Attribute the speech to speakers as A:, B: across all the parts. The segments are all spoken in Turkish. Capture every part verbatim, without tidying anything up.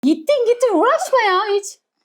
A: Gittin gittin uğraşma ya hiç.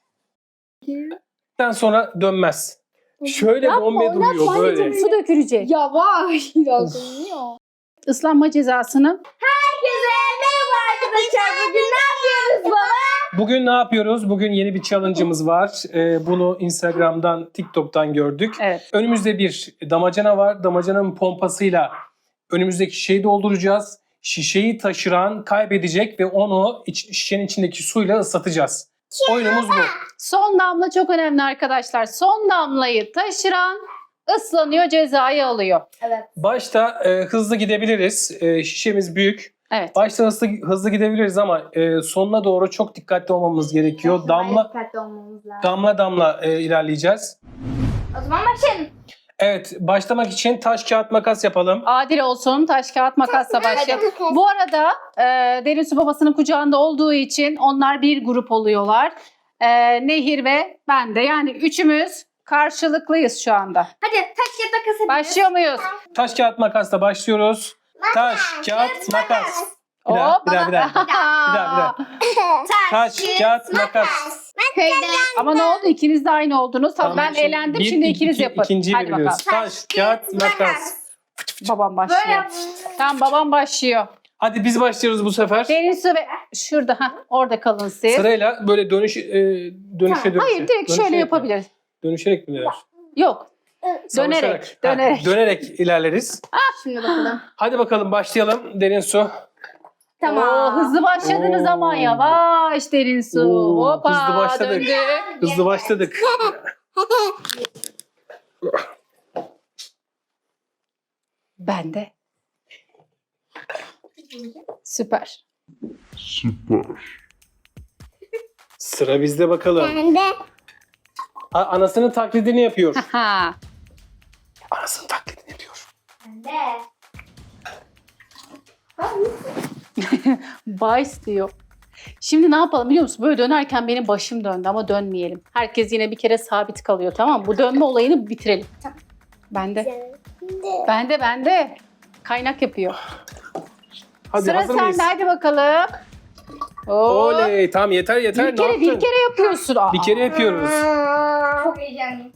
B: Den sonra dönmez. Şöyle
A: Yapma,
B: bombe
A: oynatma
B: duruyor böyle.
A: anneciğim, su dökülecek.
C: Yavaş. Biraz dönüyor.
A: Islanma cezasını.
C: Herkese merhaba arkadaşlar. Bugün ne yapıyoruz baba?
B: Bugün ne yapıyoruz? Bugün yeni bir challenge'ımız var. Ee, bunu Instagram'dan, TikTok'tan gördük.
A: Evet.
B: Önümüzde bir damacana var. Damacananın pompasıyla önümüzdeki şişeyi dolduracağız. Şişeyi taşıran kaybedecek ve onu iç, şişenin içindeki suyla ıslatacağız. Oyunumuz bu.
A: Son damla çok önemli arkadaşlar. Son damlayı taşıran ıslanıyor, cezayı alıyor.
C: Evet.
B: Başta e, hızlı gidebiliriz. E, şişemiz büyük.
A: Evet.
B: Başta hızlı, hızlı gidebiliriz ama e, sonuna doğru çok dikkatli olmamız gerekiyor. Damla
C: Dikkatli olmamız lazım.
B: damla damla e, ilerleyeceğiz.
C: O zaman başlayalım.
B: Evet, başlamak için taş kağıt makas yapalım.
A: Adil olsun, taş kağıt makasla başlayalım. Bu arada e, Derin Su babasının kucağında olduğu için onlar bir grup oluyorlar. E, Nehir ve ben de, yani üçümüz karşılıklıyız şu anda.
C: Hadi taş kağıt makas yapıyoruz.
A: Başlıyor muyuz?
B: Taş kağıt makasla başlıyoruz. Taş kağıt makas. Bir daha,
A: Hop,
B: bir daha, bir daha.
A: bana-
B: Bir daha, bir daha. Taş kağıt makas.
A: Ama ne oldu? İkiniz de aynı oldunuz. Tabii
B: Tamam,
A: ben
B: şimdi
A: eğlendim.
B: bir,
A: Şimdi
B: iki,
A: ikiniz
B: iki,
A: yapın.
B: İkinciyi
A: Hadi
B: biliyoruz.
A: bakalım.
B: Taş kağıt makas.
A: Babam
C: Böyle
A: başlıyor.
C: yap.
A: Tamam, babam başlıyor.
B: Hadi biz başlıyoruz bu sefer.
A: Derin Su ve şurada, ha orada kalın siz.
B: Sırayla böyle dönüş e, dönüşe dönüşe.
A: Hayır, direkt
B: Dönüşerek
A: şöyle
B: mi?
A: yapabiliriz.
B: Dönüşerek mi neler?
A: Yok.
B: Savaşarak.
A: Dönerek,
B: Ha,
A: dönerek.
B: dönerek ilerleriz.
C: Şimdi bakalım.
B: Hadi bakalım başlayalım. Derin su.
C: Tamam.
A: Oo, hızlı başladınız
B: Oo.
A: ama yavaş Derin Su.
B: Oo,
A: Hoppa,
B: hızlı başladık.
A: döndü.
B: Hızlı başladık.
A: Ben de. Süper.
B: Sıra bizde bakalım.
C: Ben de.
B: A- anasının taklidini yapıyor.
A: Ha.
B: Anasının taklidini yapıyor.
C: Ben de.
A: Vice diyor. Şimdi ne yapalım biliyor musun? Böyle dönerken benim başım döndü ama dönmeyelim. Herkes yine bir kere sabit kalıyor, tamam mı? Bu dönme olayını bitirelim.
C: Tamam.
A: Ben de. Ben de, ben de. Kaynak yapıyor.
B: Hadi
A: Sıra
B: hazır mıyız?
A: sende, hadi bakalım. Oo.
B: Oley, tamam yeter yeter.
A: Bir
B: ne
A: kere,
B: yaptın?
A: bir kere yapıyorsun. Aa.
B: Bir kere yapıyoruz.
C: Çok heyecanlıyım.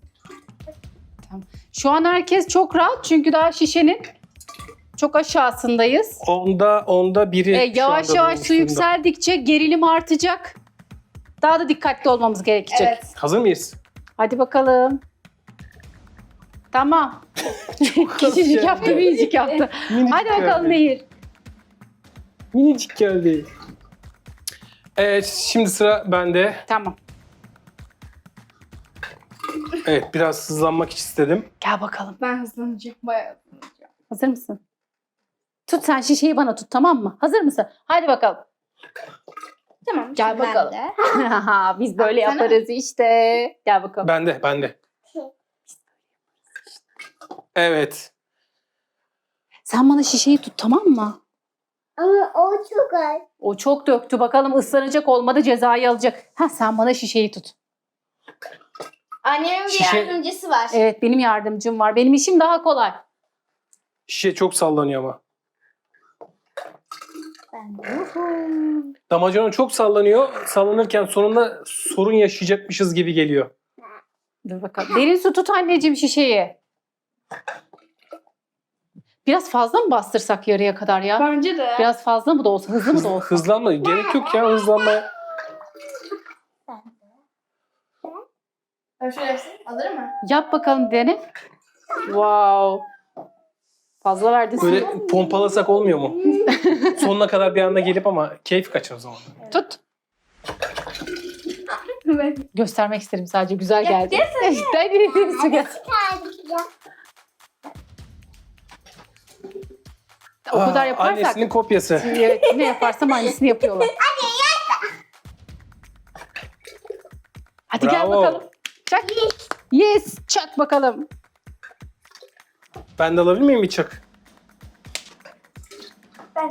A: Şu an herkes çok rahat çünkü daha şişenin çok aşağısındayız.
B: Onda onda biri.
A: Ee,
B: şu
A: yavaş
B: anda
A: yavaş
B: bulmuş
A: su
B: durumda.
A: yükseldikçe gerilim artacak. Daha da dikkatli olmamız gerekecek.
C: Evet.
B: Hazır mıyız?
A: Hadi bakalım. Tamam. Küçücük
B: yani.
A: yaptı, minicik yaptı.
B: Minicik
A: Hadi bakalım
B: geldi.
A: Nehir.
B: Minicik geldi. Evet, şimdi sıra bende.
A: Tamam.
B: Evet, biraz hızlanmak istedim.
A: Gel bakalım.
C: Ben hızlanacağım. Bayağı hızlanacağım.
A: Hazır mısın? Tut sen şişeyi, bana tut, tamam mı? Hazır mısın? Hadi bakalım.
C: Tamam.
A: Gel
C: şimdi ben
A: bakalım.
C: de.
A: Biz böyle
C: Baksana.
A: yaparız işte. Gel bakalım.
B: Bende, bende. Evet.
A: Sen bana şişeyi tut, tamam mı?
C: Ama o çok az.
A: O çok döktü. Bakalım ıslanacak, olmadı cezayı alacak. Ha, sen bana şişeyi tut.
C: Annemin bir
B: Şişe-
C: yardımcısı var.
A: Evet, benim yardımcım var. Benim işim daha kolay.
B: Şişe çok sallanıyor ama.
C: Ben de.
B: Damacana çok sallanıyor. Sallanırken sonunda sorun yaşayacakmışız gibi geliyor.
A: Dur bakalım. Derin su tut anneciğim şişeyi. Biraz fazla mı bastırsak yarıya kadar ya?
C: Bence de.
A: Biraz fazla mı da olsa, hızlı mı da olsa?
B: Hızlanma. Gerek yok ya hızlanmaya.
C: Ben şöyle yapsın. Alır mı?
A: Yap bakalım, dene. Wow. Fazla verdin.
B: Böyle pompalasak olmuyor mu? Sonuna kadar bir anda gelip ama keyif kaçar o zaman.
A: Tut.
C: Evet.
A: Göstermek istedim sadece. Güzel
C: Ya,
A: geldi. Hadi su gel. O kadar
B: Aa,
A: yaparsak.
B: Annesinin kopyası.
A: Evet, ne yaparsam aynısını yapıyorlar. Hadi gel
B: Bravo.
A: bakalım. Çak. Yes. Çak bakalım.
B: Ben de alabilir miyim bir çak?
C: Ben de.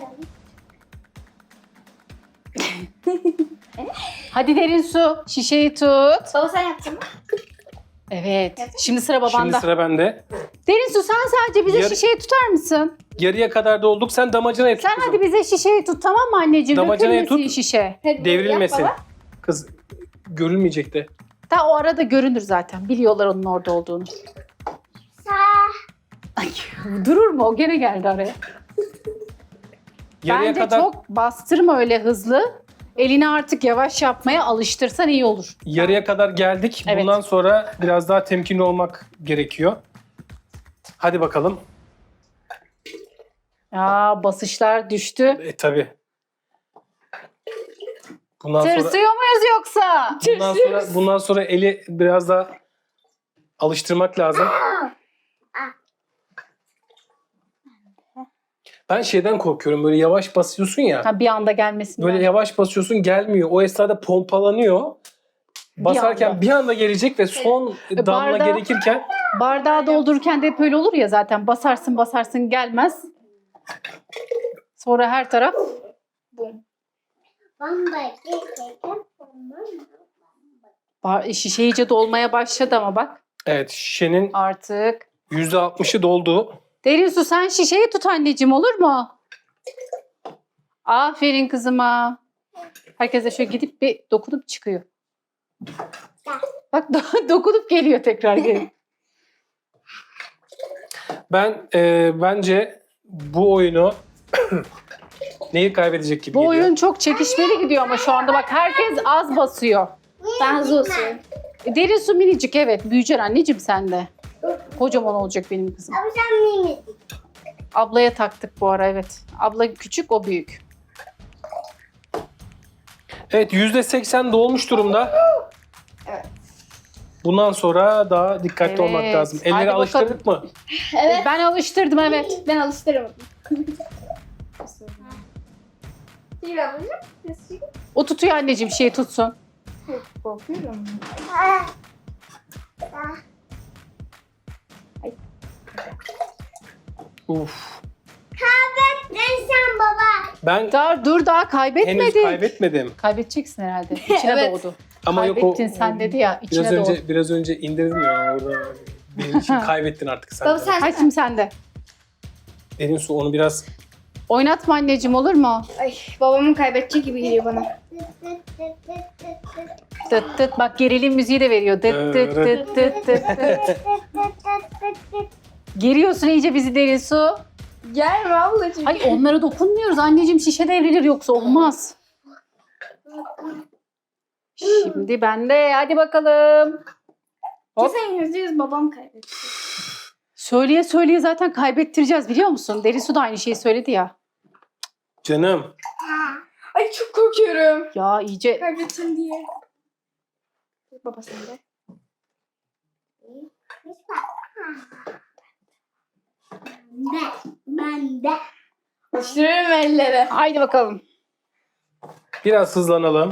A: Hadi Derin su. Şişeyi tut.
C: Baba sen yaptın mı?
A: Evet. Şimdi sıra babanda.
B: Şimdi sıra bende.
A: Derin su, sen sadece bize
B: Yar-
A: şişeyi tutar mısın?
B: Yarıya kadar dolduk. Sen damacanayı tut
A: Sen
B: kızım.
A: hadi bize şişeyi tut tamam mı anneciğim?
B: Damacanayı
A: Dökülmesin
B: tut.
A: şişe.
C: Hadi
B: Devrilmesin.
C: yap baba.
B: Kız görülmeyecek de.
A: Ta o arada görünür zaten. Biliyorlar onun orada olduğunu.
C: Sağ.
A: Ay, durur mu? O gene geldi araya.
B: Yarıya
A: Bence
B: kadar
A: çok bastırma öyle hızlı. Elini artık yavaş yapmaya alıştırsan iyi olur.
B: yarıya kadar geldik.
A: Evet.
B: Bundan sonra biraz daha temkinli olmak gerekiyor. Hadi bakalım.
A: Ya basışlar düştü.
B: E tabi. Bundan sonra
A: Tırsıyor muyuz yoksa?
B: bundan sonra bundan sonra eli biraz daha alıştırmak lazım. Ben şeyden korkuyorum. Böyle yavaş basıyorsun ya.
A: Ha, bir anda gelmesin.
B: Böyle yavaş basıyorsun gelmiyor. O esnada pompalanıyor. Basarken
A: anda.
B: bir anda gelecek ve son
A: E,
B: damla
A: bardağı-
B: gerekirken
A: Bardağı doldururken de hep öyle olur ya zaten. Basarsın basarsın gelmez. Sonra her taraf bar- şişe iyice dolmaya başladı ama bak
B: evet şişenin
A: artık.
B: yüzde altmışı doldu.
A: Derin su sen şişeyi tut anneciğim olur mu? Aferin kızıma. Herkes de şöyle gidip bir dokunup çıkıyor. Bak do- dokunup geliyor tekrar geri.
B: Ben e, bence bu oyunu neyi kaybedecek gibi
A: Bu
B: geliyor.
A: oyun çok çekişmeli gidiyor ama şu anda bak herkes az basıyor.
C: Ben hızlı basıyorum.
A: E, Derin su minicik evet. Büyüyeceksin anneciğim sen de. Kocaman olacak benim kızım.
C: Ama sen miyim?
A: Ablaya taktık bu ara evet. Abla küçük o büyük.
B: Evet yüzde seksen dolmuş durumda.
C: Evet.
B: Bundan sonra daha dikkatli
A: Evet.
B: olmak lazım.
A: Hadi
B: Elleri
A: bakalım.
B: alıştırdık mı?
C: Evet.
A: Ben alıştırdım evet.
C: Ben alıştıramadım. Bir avucum.
A: O tutuyor anneciğim şeyi tutsun.
C: Korkuyorum.
B: Uf.
C: Ben sen baba.
B: Ben
A: Daha, dur daha
B: henüz
A: kaybetmedin.
B: kaybetmedim.
A: Kaybedeceksin herhalde. İçine
C: Evet.
A: doğdu.
B: Ama yok o
A: Kaybettin sen dedi ya içine
B: biraz
A: doğdu.
B: önce biraz önce indirdim ya orada. Benim için kaybettin artık sen.
C: Baba
B: de.
C: sen.
A: Hadi şimdi sen de.
B: Derin su onu biraz
A: Oynatma anneciğim olur mu?
C: Ay babamın kaybedecek gibi geliyor bana.
A: Tıt tıt bak gerilim müziği de veriyor. Tıt tıt tıt tıt tıt tıt. Geriyorsun iyice bizi Derin su.
C: Gelme ablacığım.
A: Ay onlara dokunmuyoruz anneciğim şişe devrilir yoksa olmaz. Şimdi ben de hadi bakalım. Hop.
C: Kesin yüzde yüz babam kaybetti.
A: Söyleye söyleye zaten kaybettireceğiz biliyor musun? Derin su da aynı şeyi söyledi ya.
B: canım.
C: Ay çok korkuyorum.
A: Ya iyice
C: Kaybedeceğim diye. Baba sen de. Ben, ben de. Alıştırıyorum ellere.
A: haydi bakalım.
B: Biraz hızlanalım.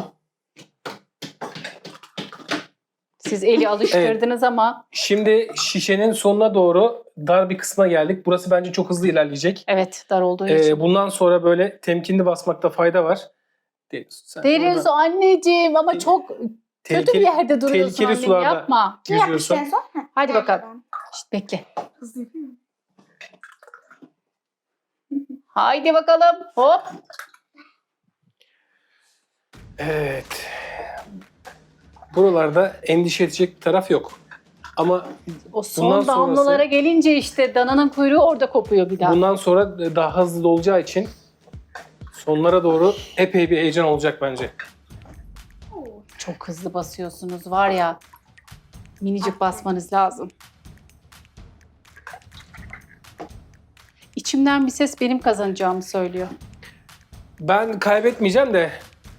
A: Siz eli alıştırdınız ama
B: Şimdi şişenin sonuna doğru dar bir kısma geldik. Burası bence çok hızlı ilerleyecek.
A: evet dar olduğu için.
B: Ee, bundan sonra böyle temkinli basmakta fayda var. Derin su, sen
A: Derin
B: orada
A: su anneciğim ama çok kötü bir
B: tehlikeli-
A: yerde duruyorsun
B: tehlikeli
A: annem
B: sularda
A: yapma.
C: Ne yapmıştın
B: yüzüyorsun.
C: en son? Ha.
A: Hadi bakalım. Şişt, bekle.
C: Hızlı yapayım mı?
A: Haydi bakalım. Hop.
B: Evet. Buralarda endişe edecek bir taraf yok. Ama
A: O son
B: Bundan
A: damlalara
B: sonrası-
A: gelince işte dananın kuyruğu orada kopuyor bir daha.
B: bundan sonra daha hızlı olacağı için sonlara doğru epey bir heyecan olacak bence.
A: Çok hızlı basıyorsunuz var ya. Minicik basmanız lazım. İçimden bir ses benim kazanacağımı söylüyor.
B: Ben kaybetmeyeceğim de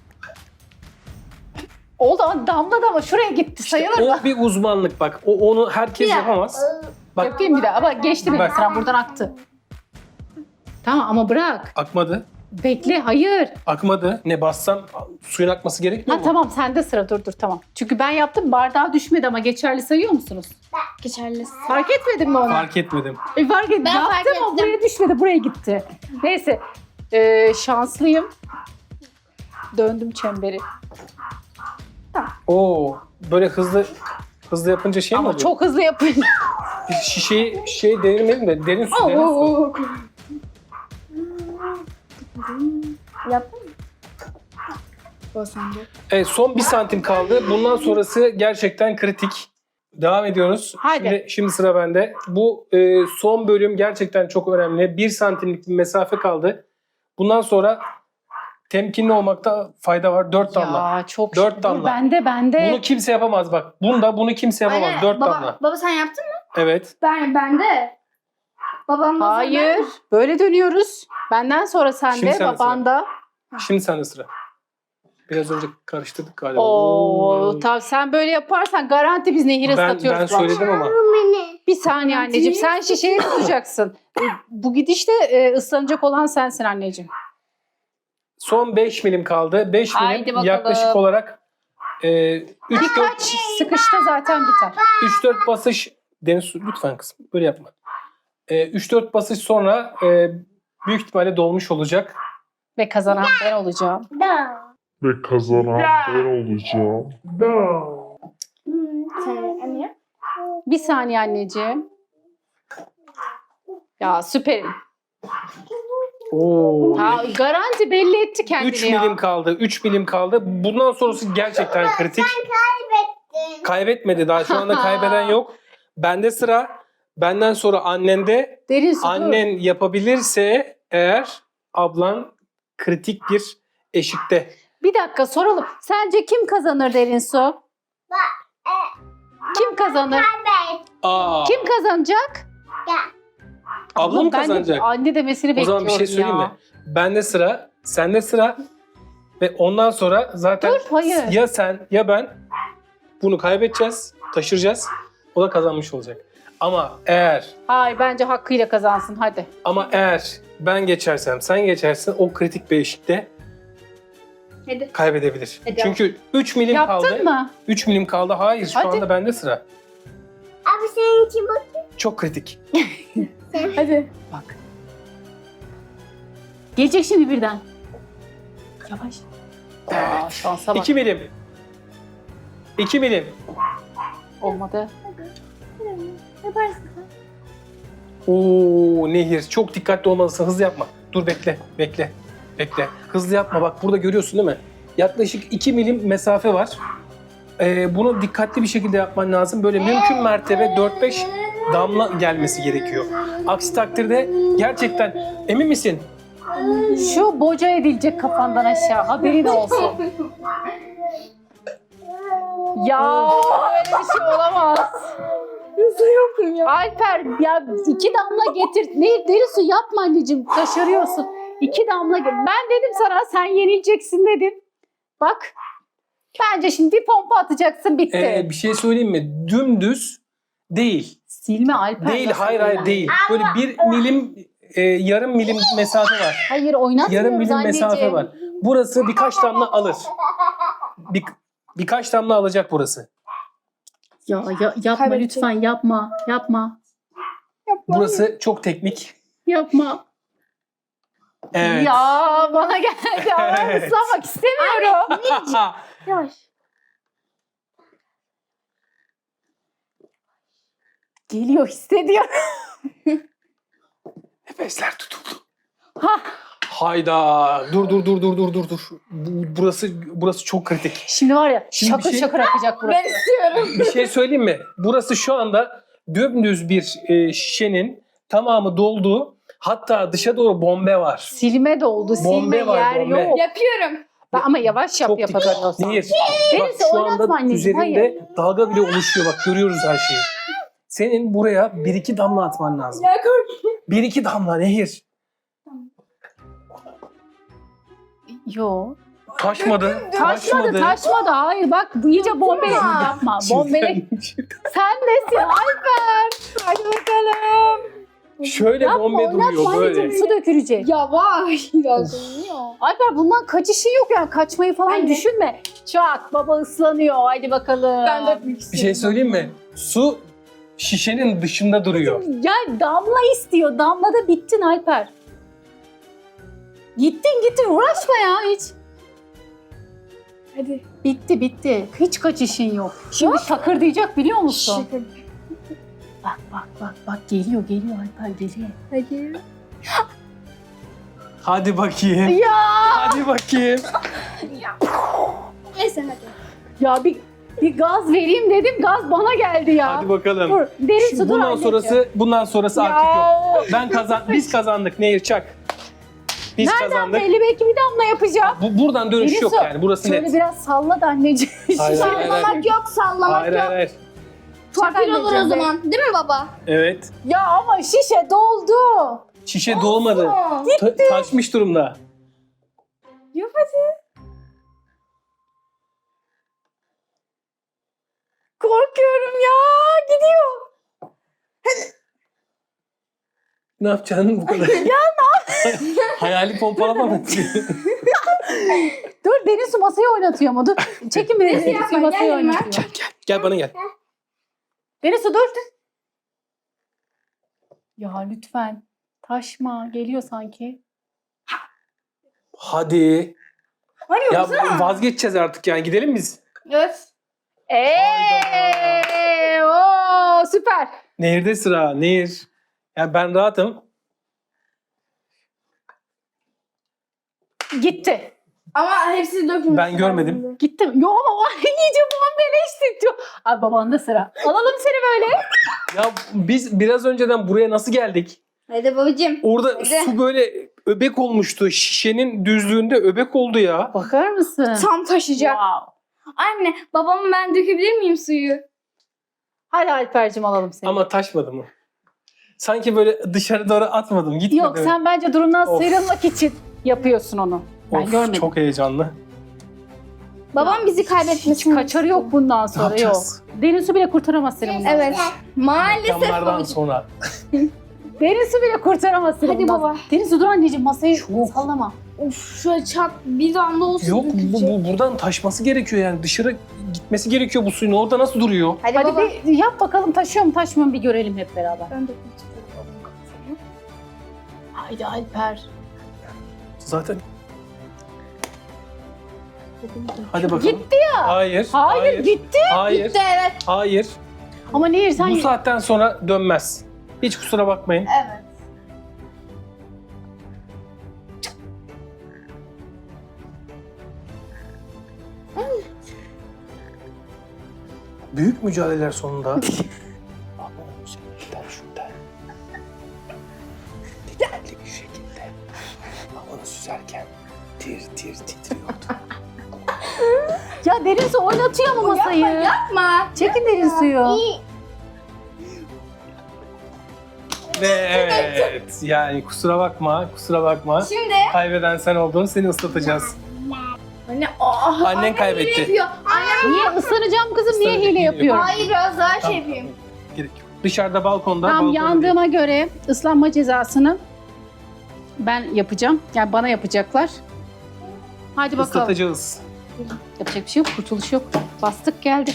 A: Oldu ama damladı ama şuraya gitti sayılır mı?
B: o bir uzmanlık bak. O onu herkes
C: Ya.
B: yapamaz. Bak
A: Yapayım bir daha ama geçti benim
B: Bak.
A: sıram buradan aktı. Tamam ama bırak.
B: akmadı.
A: Bekle hayır.
B: Akmadı. Ne bassam suyun akması gerekmiyor
A: Ha
B: mu?
A: tamam sende sıra dur dur tamam. Çünkü ben yaptım bardağa düşmedi ama geçerli sayıyor musunuz?
C: Geçerli.
A: Fark etmedin mi onu?
B: Fark etmedim.
A: E, fark et.
C: Ben
A: Yaptım
C: fark
A: ama
C: ettim.
A: buraya düşmedi buraya gitti. Neyse Ee, şanslıyım. Döndüm çemberi.
B: Oo, böyle hızlı hızlı yapınca şey mi
A: Ama
B: oluyor?
A: çok hızlı yapın.
B: Biz şişeyi şişeyi devirmeyelim de derin su derin su.
C: Oo. Yaptın mı? O sende.
B: Evet, son bir santim kaldı. Bundan sonrası gerçekten kritik. Devam ediyoruz.
A: Haydi.
B: Şimdi, şimdi sıra bende. Bu e, son bölüm gerçekten çok önemli. Bir santimlik bir mesafe kaldı. Bundan sonra temkinli olmakta fayda var. Dört damla.
A: Ya çok
B: Dört
A: şükür.
B: damla.
A: Bende bende.
B: Bunu kimse yapamaz bak. Bunda bunu kimse yapamaz.
C: Aynen.
B: Dört
C: baba,
B: damla.
C: Baba sen yaptın mı?
B: Evet.
C: Ben, ben de. Babam da
A: Hayır. Böyle dönüyoruz. Benden sonra
B: Şimdi
A: sende,
B: sende
A: babanda.
B: Şimdi sende sıra. Biraz önce karıştırdık galiba.
A: Oo, tabii sen böyle yaparsan garanti biz nehir
B: ben,
A: ıslatıyoruz.
B: ben
A: bak.
B: söyledim ama.
A: Bir saniye anneciğim. Sen şişeyi tutacaksın. E, Bu gidişte e, ıslanacak olan sensin anneciğim.
B: Son beş milim kaldı. beş
A: Haydi
B: milim
A: bakalım.
B: yaklaşık olarak e, üç
A: Birkaç
B: dört
A: sıkışta zaten biter.
B: üç dört basış. Deniz lütfen kızım böyle yapma. E, üç dört basış sonra e, büyük ihtimalle dolmuş olacak.
A: Ve kazanan ben olacağım.
C: Da.
D: Ve kazanan ben olacağım.
C: Sen anne?
A: Bir saniye anneciğim. Ya süperim.
B: Oo.
A: Ha, garanti belli etti kendini
B: üç
A: ya.
B: milim kaldı. üç milim kaldı. Bundan sonrası gerçekten kritik.
C: Kaybettin.
B: Kaybetmedi. Daha şu anda kaybeden yok. Bende sıra. Benden sonra annende.
A: Derin su dur.
B: Annen yapabilirse eğer ablan kritik bir eşikte.
A: Bir dakika soralım. Sence kim kazanır Derin su? Kim kazanır?
B: Aa,
A: Kim kazanacak?
B: ablam mı
A: Ben de
B: kazanacak?
A: anne demesini
B: O
A: bekliyorum
B: zaman bir şey söyleyeyim
A: ya.
B: mi? Bende sıra, sende sıra ve ondan sonra zaten
A: Dur, hayır.
B: ya sen ya ben bunu kaybedeceğiz, taşıracağız. O da kazanmış olacak. Ama eğer
A: Hayır bence hakkıyla kazansın hadi.
B: ama eğer ben geçersem, sen geçersen o kritik bir eşikte
C: Hadi.
B: kaybedebilir.
C: Hadi.
B: Çünkü üç milim
A: Yaptın
B: kaldı.
A: mı?
B: üç milim kaldı. Hayır, şu
A: Hadi.
B: anda bende sıra.
C: Abi senin için bak.
B: Çok kritik.
A: Hadi. Bak. Gelecek şimdi birden. Yavaş. Aa, şansa bak.
B: iki milim. iki milim.
A: Olmadı.
C: Yaparsın.
B: Oo Nehir, çok dikkatli olmalısın. Hızlı yapma. Dur bekle, bekle, bekle. Hızlı yapma. Bak burada görüyorsun değil mi? Yaklaşık iki milim mesafe var. Ee, bunu dikkatli bir şekilde yapman lazım. Böyle mümkün mertebe dört beş damla gelmesi gerekiyor. Aksi takdirde gerçekten emin misin?
A: Şu boca edilecek kafandan aşağı. Haberin olsun. Ya öyle bir şey olamaz.
C: Nasıl yaptım ya?
A: Alper ya iki damla getir. Ne deri su yapma anneciğim. Taşırıyorsun. İki damla getir. Ben dedim sana sen yenileceksin dedim. Bak. Bence şimdi bir pompa atacaksın bitti.
B: Ee, bir şey söyleyeyim mi? Dümdüz değil.
A: Silme Alper.
B: Değil,
A: nasıl
B: hayır hayır
A: yani?
B: değil. Böyle bir milim, e, yarım milim mesafe var.
A: Hayır oynatmıyoruz
B: Yarım milim
A: anneciğim.
B: mesafe var. Burası birkaç damla alır. Bir, birkaç damla alacak burası.
A: Ya, ya yapma
C: Kaybedecek.
A: lütfen yapma. Yapma.
B: Burası çok teknik.
A: Yapma.
B: Evet.
A: Ya bana geldi ama
B: Evet.
A: ıslamak istemiyorum.
C: Yavaş.
A: Geliyor hissediyorum.
B: Nefesler tutuldu.
A: Hah.
B: Hayda. Dur dur dur dur dur dur dur. Bu- Burası burası çok kritik.
A: Şimdi var ya
B: Şimdi bir
A: şakır
B: şey-
A: şakır akacak burası.
C: Ben istiyorum.
B: Bir şey söyleyeyim mi? Burası şu anda dümdüz bir e, şişenin tamamı doldu. Hatta dışa doğru bombe var.
A: Silme doldu.
B: Bombe
A: Silme
B: var,
A: yer
B: bombe.
A: yok.
C: Yapıyorum.
A: Ben- ama yavaş yap
B: Çok dikkat.
A: yapabiliyorsan.
B: Nehir. Bak
A: Neyse,
B: şu
A: oynatma
B: anda
A: anneciğim,
B: üzerinde
A: hayır.
B: dalga bile oluşuyor. Bak görüyoruz her şeyi. Senin buraya bir iki damla atman lazım.
C: Ya kork.
B: Bir iki damla Nehir.
A: Yo.
B: Taşmadı.
A: Taşmadı taşmadı. Hayır bak bu iyice bombele yapma. Bombele. Sen nesin Alper? Hadi bakalım.
B: Şöyle
A: Yapma
B: bombe
A: oynatma
B: duruyor böyle.
A: anneciğim su dökülecek.
C: Yavaş. Biraz dönüyor.
A: Alper bundan kaçışın yok yani kaçmayı falan
C: Aynen.
A: düşünme. Çak baba ıslanıyor hadi bakalım.
C: Ben de büyük
B: Bir şey söyleyeyim mi? Su şişenin dışında duruyor.
A: Ya damla istiyor. Damlada bittin Alper. Gittin gittin uğraşma ya hiç.
C: Hadi.
A: Bitti bitti. Hiç kaçışın yok. Şimdi şakır diyecek biliyor musun?
C: Şaka.
A: Bak bak bak bak geliyor geliyor Alper geliyor.
C: Hadi.
B: Hadi bakayım.
A: Ya
B: Hadi bakayım.
C: Neyse hadi.
A: ya bir bir gaz vereyim dedim. Gaz bana geldi ya.
B: Hadi bakalım.
A: Dur, derin
B: Şimdi
A: su dur
B: bundan
A: anneciğim.
B: sonrası bundan sonrası
A: Ya.
B: artık yok. Ben kazan biz kazandık Nehir çak. Biz
A: Nereden
B: kazandık.
A: belli, belki bir damla yapacağım.
B: Bu, buradan dönüş
A: Derin
B: yok
A: su.
B: yani. Burası
A: Şöyle
B: net.
A: biraz salla da anneciğim.
B: Hayır, hayır, hayır.
C: Sallamak yok, sallamak
B: Hayır
C: yok.
B: hayır hayır.
C: Fakir olur o
A: anneciğim,
C: zaman. Değil mi baba?
B: Evet.
A: Ya ama şişe doldu.
B: Şişe dolmadı. Ta- taşmış durumda.
A: Yap hadi. Korkuyorum ya. Gidiyor.
B: Ne yapacaksın bu kadar? ya ne Hayali pompalama mı?
A: Dur, derin su masayı oynatıyor mu? Dur. Çekin bir derin su masayı
C: Gel yanıma.
A: oynatıyor.
B: Gel bana gel.
A: Derin su dur. Ya lütfen. Taşma. Geliyor sanki.
B: Hadi.
C: Hani
B: Ya
C: yoksa?
B: vazgeçeceğiz artık yani. Gidelim biz.
C: Evet.
A: Eee! Oo, süper.
B: Nehirde sıra. Nehir. Yani ben rahatım.
A: Gitti.
C: Ama hepsi dökülmüş.
B: Ben görmedim.
A: Gitti mi? Yo ama iyice babam beleşti diyor. Abi babanda sıra. Alalım seni böyle.
B: Ya biz biraz önceden buraya nasıl geldik?
C: Hadi babacığım.
B: Orada
C: Hadi.
B: su böyle öbek olmuştu. Şişenin düzlüğünde öbek oldu ya.
A: Bakar mısın?
C: Tam taşıyacak.
A: Wow.
C: Anne, babamı ben dökebilir miyim suyu?
A: Hadi Alper'cim alalım seni.
B: Ama taşmadı mı? Sanki böyle dışarı doğru atmadım. Gitmedi.
A: Yok, sen bence durumdan
B: Of.
A: sıyrılmak için yapıyorsun onu. Ben
B: Of,
A: görmedim.
B: çok heyecanlı.
C: Babam bizi kaybetmesin.
A: Kaçarı yok bundan sonra, yok.
B: yapacağız?
A: Derin su bile kurtaramaz seni bundan.
C: Evet. Maalesef
B: Reklamlardan
C: babacığım.
B: sonra.
A: Derin su bile kurtaramaz seni
C: Hadi
A: bundan.
C: baba.
A: Derin su dur anneciğim, masayı
B: Çok.
A: sallama.
C: Of, şöyle çat bir damla olsun.
B: Yok bu,
C: dökülecek.
B: bu buradan taşması gerekiyor yani. Dışarı gitmesi gerekiyor bu suyun. Orada nasıl duruyor?
C: Hadi,
A: Hadi
C: baba.
A: bir yap bakalım, taşıyor mu taşmıyor mu bir görelim hep beraber.
C: Ben dökmek istiyorum.
A: Haydi Alper.
B: Zaten. Hadi bakalım.
A: Gitti
B: ya. Hayır.
A: Hayır, gitti.
B: Hayır.
C: Gitti evet.
B: Hayır.
A: Ama Nehir sen...
B: Bu saatten sonra dönmez. Hiç kusura bakmayın.
C: Evet.
B: Büyük mücadeleler sonunda. Ama şuradan şuradan. Dikkatli bir şekilde havanı süzerken tir tir titriyordu.
A: Ya derin su oynatıyor mu masayı?
C: Yapma yapma.
A: Çekin derin suyu.
B: Ve evet yani kusura bakma kusura bakma.
C: Şimdi
B: Kaybeden sen oldun, seni ıslatacağız.
C: anne oh,
B: Annen
C: annem
B: kaybetti.
C: hile yapıyor. Annem
A: Niye ıslanacağım kızım? Niye
B: Islanacak,
A: hile
B: hile
A: yapıyorum?
C: hayır biraz daha şey
B: Tamam,
C: yapayım.
B: Gerek yok. Dışarıda balkonda.
A: Tam
B: balkonda
A: yandığıma göre ıslanma cezasını ben yapacağım. Yani bana yapacaklar. Hadi
B: değil.
A: bakalım.
B: Islatacağız.
A: Yapacak bir şey yok. Kurtuluş yok. Bastık geldi.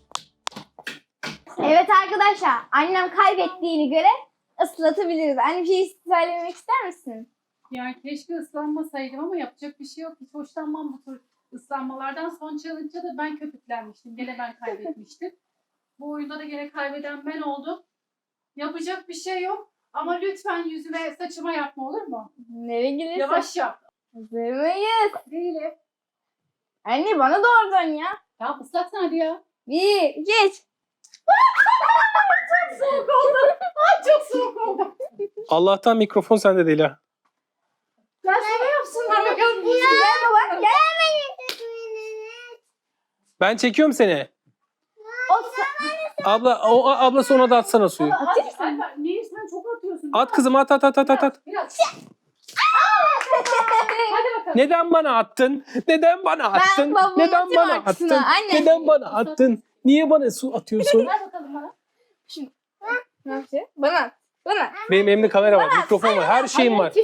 C: Evet arkadaşlar annem kaybettiğini göre ıslatabiliriz. Anne bir şey söylemek ister misin?
A: Yani keşke ıslanmasaydım ama yapacak bir şey yok. Hiç hoşlanmam bu tür ıslanmalardan. Son challenge'da da ben köpüklenmiştim. Gene ben kaybetmiştim. Bu oyunda da gene kaybeden ben oldum. Yapacak bir şey yok. Ama lütfen yüzüme saçıma yapma, olur mu?
C: Nereye gelirse.
A: Yavaş yap.
C: Hazır mıyız?
A: Değilim.
C: Anne bana doğrudan ya.
A: Ya ıslatsana hadi ya.
C: Bir, geç.
A: Çok soğuk oldu. Ay çok soğuk oldu.
B: Allah'tan mikrofon sende değil ha.
C: Ben sana yapsınlar bakalım. Gel baba gel.
B: Ben çekiyorum seni.
C: O sa-
B: Abla o a- ablası ona da atsana suyu.
A: Hadi Alper, niye sen çok atıyorsun?
B: At kızım at at at at at. at.
A: Biraz. Hadi bakalım.
B: Neden bana attın? Neden bana attın?
C: babamın
B: Neden bana
C: matematiğine,
B: attın?
C: anne.
B: Neden bana attın? Niye bana su atıyorsun?
A: Ver bakalım bana.
C: Ne yapacağız? Bana. Bana.
B: Benim elimde kamera var, mikrofon var, her şeyim var.